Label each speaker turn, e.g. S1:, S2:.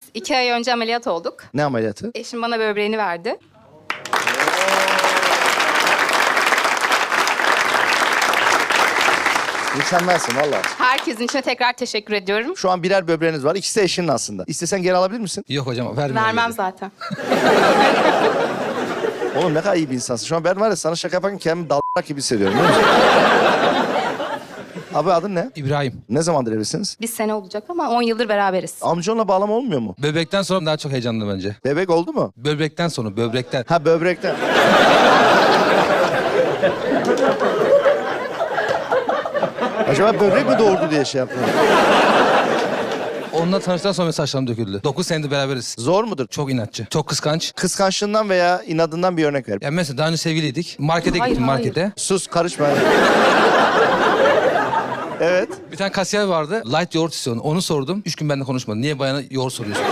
S1: 2 ay önce ameliyat olduk.
S2: Ne ameliyatı?
S1: Eşim bana böbreğini verdi.
S2: Mükemmelsin valla.
S1: Herkesin içine tekrar teşekkür ediyorum.
S2: Şu an birer böbreğiniz var. İkisi de eşinin aslında. İstesen geri alabilir misin?
S3: Yok hocam vermiyor.
S1: Vermem zaten.
S2: Oğlum ne kadar iyi bir insansın. Şu an ben var ya sana şaka yaparken kendimi dalak gibi hissediyorum. Biliyor musun? Abi adın ne?
S3: İbrahim.
S2: Ne zamandır evlisiniz?
S1: Bir sene olacak ama 10 yıldır beraberiz.
S2: Amcanla bağlama olmuyor mu?
S3: Böbrekten sonra daha çok heyecanlı bence.
S2: Bebek oldu mu?
S3: Böbrekten sonra, böbrekten.
S2: Ha böbrekten. Acaba böbrek mi doğurdu diye şey yaptım.
S3: Onunla tanıştıktan sonra saçlarım döküldü. 9 senedir beraberiz.
S2: Zor mudur?
S3: Çok inatçı, çok kıskanç.
S2: Kıskançlığından veya inadından bir örnek ver.
S3: Ya mesela daha önce sevgiliydik. Markete
S1: Hayır,
S3: gittim
S1: hayır.
S3: markete.
S2: Sus karışma. Evet.
S3: Bir tane kasiyer vardı. Light yoğurt istiyordu. Onu sordum. 3 gün benimle konuşmadı. Niye bayana yoğurt soruyorsun?